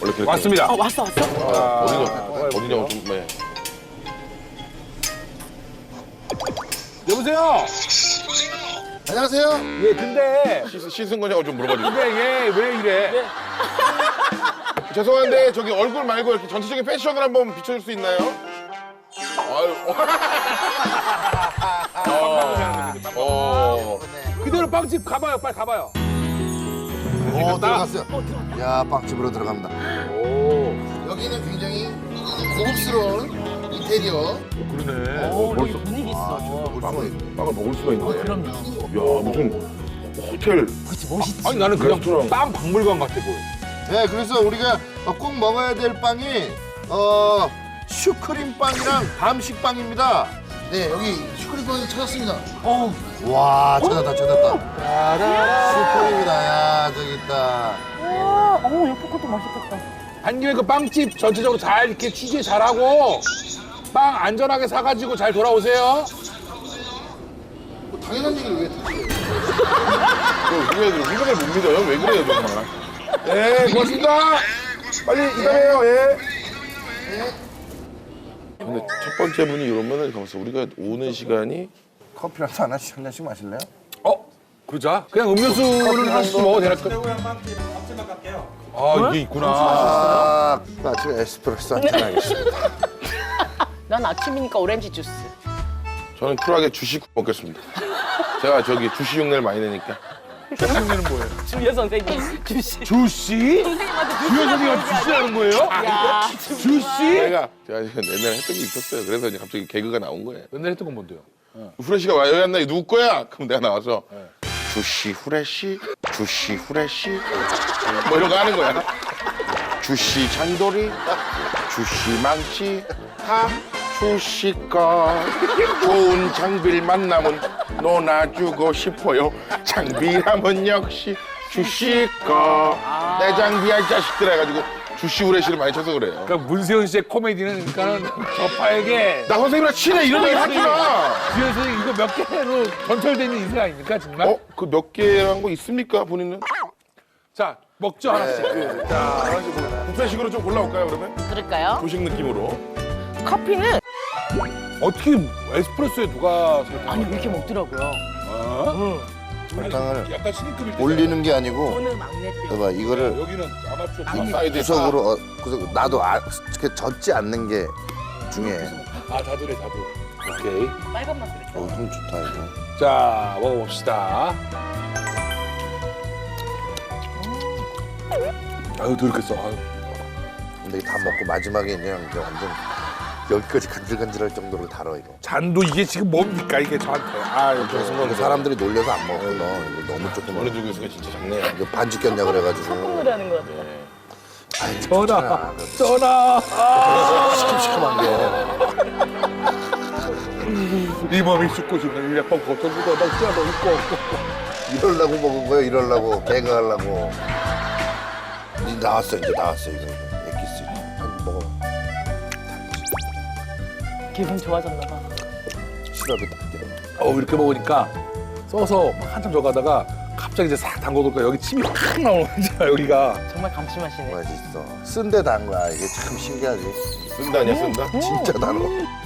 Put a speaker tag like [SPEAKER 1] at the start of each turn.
[SPEAKER 1] 원래 그랬죠.
[SPEAKER 2] 왔습니다.
[SPEAKER 3] 왔어.
[SPEAKER 1] 어디냐 좀 네.
[SPEAKER 2] 여보세요.
[SPEAKER 4] 안녕하세요.
[SPEAKER 2] 예, 근데
[SPEAKER 1] 씻은 거냐고 좀 물어봐주세요.
[SPEAKER 2] 얘 왜 이래?
[SPEAKER 1] 죄송한데 저기 얼굴 말고 이렇게 전체적인 패션을 한번 비춰줄 수 있나요? 아유.
[SPEAKER 2] 그대로 빵집 가봐요. 빨리 가봐요.
[SPEAKER 4] 들어갔어요. 야, 빵집으로 들어갑니다.
[SPEAKER 2] 오,
[SPEAKER 4] 여기는 굉장히 고급스러운 인테리어.
[SPEAKER 1] 그러네.
[SPEAKER 3] 벌써 분위기 있어.
[SPEAKER 1] 빵을 먹을 수가 있네.
[SPEAKER 3] 그럼요.
[SPEAKER 1] 야 무슨 호텔.
[SPEAKER 3] 그치, 멋있지.
[SPEAKER 2] 아니 나는 그냥
[SPEAKER 1] 레스토랑.
[SPEAKER 2] 빵 박물관 같아 보여.
[SPEAKER 4] 네, 그래서 우리가 꼭 먹어야 될 빵이 슈크림 빵이랑 밤식 빵입니다. 네, 여기 슈크림 빵을 찾았습니다. 와, 찾았다. 슈크림이다. 야, 저기 있다.
[SPEAKER 3] 옆에 것도 맛있겠다.
[SPEAKER 2] 한 김에 그 빵집 전체적으로 잘 이렇게 취재 잘하고 빵 안전하게 사가지고 잘 돌아오세요.
[SPEAKER 4] 뭐 당연한 얘기를 왜 듣지?
[SPEAKER 1] 후배들 못 믿어요? 왜 그래요 정말? 네 고맙습니다. 빨리 이동해요. 예. 근데 첫 번째 분이 이러면은 가만있어. 우리가 오는 시간이
[SPEAKER 4] 커피라도 한 잔씩 마실래요?
[SPEAKER 2] 그러자. 그냥 음료수를 하나씩 먹어도 되나? 아 이게 있구나.
[SPEAKER 4] 아, 제가 에스프레소 한잔 하겠습니다.
[SPEAKER 3] 난 아침이니까 오렌지 주스.
[SPEAKER 1] 저는 쿨하게 주식 먹겠습니다. 제가 저기 주식 흉내를 많이 내니까.
[SPEAKER 2] 주식은 뭐예요?
[SPEAKER 3] 주여 선생님. 주시.
[SPEAKER 2] 주씨?
[SPEAKER 3] 선생님한테
[SPEAKER 2] 주현 선생님한테 주씨라는 거예요?
[SPEAKER 3] 야,
[SPEAKER 2] 주씨?
[SPEAKER 1] 제가 옛날에 했던 게 있었어요. 그래서 이제 갑자기 개그가 나온 거예요.
[SPEAKER 2] 옛날에 했던 건 뭔데요?
[SPEAKER 1] 후레쉬가 와 여기 왔나? 이거 누구 거야? 그럼 내가 나와서 주씨 후레쉬, 주씨 후레쉬 뭐 이런 거 하는 거야. 주씨 잔돌이, 주씨 망치, 다 주씨 거. 좋은 장비를 만나면 놀아주고 싶어요. 장비라면 역시 주씨 거. 내 장비야 이 자식들 해가지고 주씨 후레쉬를 많이 쳐서 그래요.
[SPEAKER 2] 그러니까 문세윤 씨의 코미디는 그러니까는 저파에게
[SPEAKER 1] 나 선생님이랑 친해 이런 얘기 하지 마.
[SPEAKER 2] 주현 선생님 이거 몇 개로 전철되는 인생 아닙니까 정말?
[SPEAKER 1] 그 몇 개란 거 있습니까 본인은?
[SPEAKER 2] 자 먹죠 하나씩.
[SPEAKER 1] 자, 하나씩 뭐 뷔페식으로 좀 골라올까요 그러면?
[SPEAKER 3] 그럴까요?
[SPEAKER 1] 조식 느낌으로.
[SPEAKER 3] 커피는
[SPEAKER 2] 어떻게 에스프레소에 누가 설탕을?
[SPEAKER 3] 아니 이렇게 먹더라고요.
[SPEAKER 4] 설탕을
[SPEAKER 2] 약간 스니크비
[SPEAKER 4] 올리는 게 아니고,
[SPEAKER 3] 오늘 막내표.
[SPEAKER 4] 봐봐, 이거를
[SPEAKER 2] 여기는 아마추어
[SPEAKER 1] 사이드에
[SPEAKER 4] 구석으로, 구석 나도 이렇게 젖지 않는 게 중요해.
[SPEAKER 2] 다들해. 오케이.
[SPEAKER 3] 빨간 맛 그래.
[SPEAKER 4] 향 좋다 이거.
[SPEAKER 2] 자 먹어봅시다. 아유 더 이렇게 써. 아유.
[SPEAKER 4] 근데 이거 다 먹고 마지막에 그냥 이제 완전 여기까지 간질간질할 정도로 달아 이거.
[SPEAKER 2] 잔도 이게 지금 뭡니까 이게 저한테. 아유
[SPEAKER 4] 근데 사람들이 놀려서 안 먹어. 너 이거 너무 조금.
[SPEAKER 1] 어느 누구 있으니까 진짜 작네요.
[SPEAKER 4] 이거 반죽 꼈냐 그래가지고.
[SPEAKER 3] 노래하는 것 같아.
[SPEAKER 4] 아이,
[SPEAKER 2] 전화.
[SPEAKER 4] 괜찮아.
[SPEAKER 2] 전화.
[SPEAKER 4] 시큼시큼한 게.
[SPEAKER 2] 이 몸이 죽고 싶은 일약 뻥 고쳐주고 막 쪄도 있고.
[SPEAKER 4] 이러려고 먹은 거야, 이러려고. 개그하려고. 이제 나왔어, 이거. 엑기스. 한 먹어.
[SPEAKER 3] 기분 좋아졌나 봐.
[SPEAKER 4] 시럽이 딱 들어.
[SPEAKER 2] 이렇게 먹으니까 써서 막 한참 저가다가 갑자기 이제 싹 담궈놓으니까 여기 침이 확 나오는 거야 여기가.
[SPEAKER 3] 정말 감칠맛이네.
[SPEAKER 4] 맛있어. 쓴데 단 거야. 이게 참 신기하지.
[SPEAKER 1] 쓴다 아니야 쓴다?
[SPEAKER 4] 진짜 달어.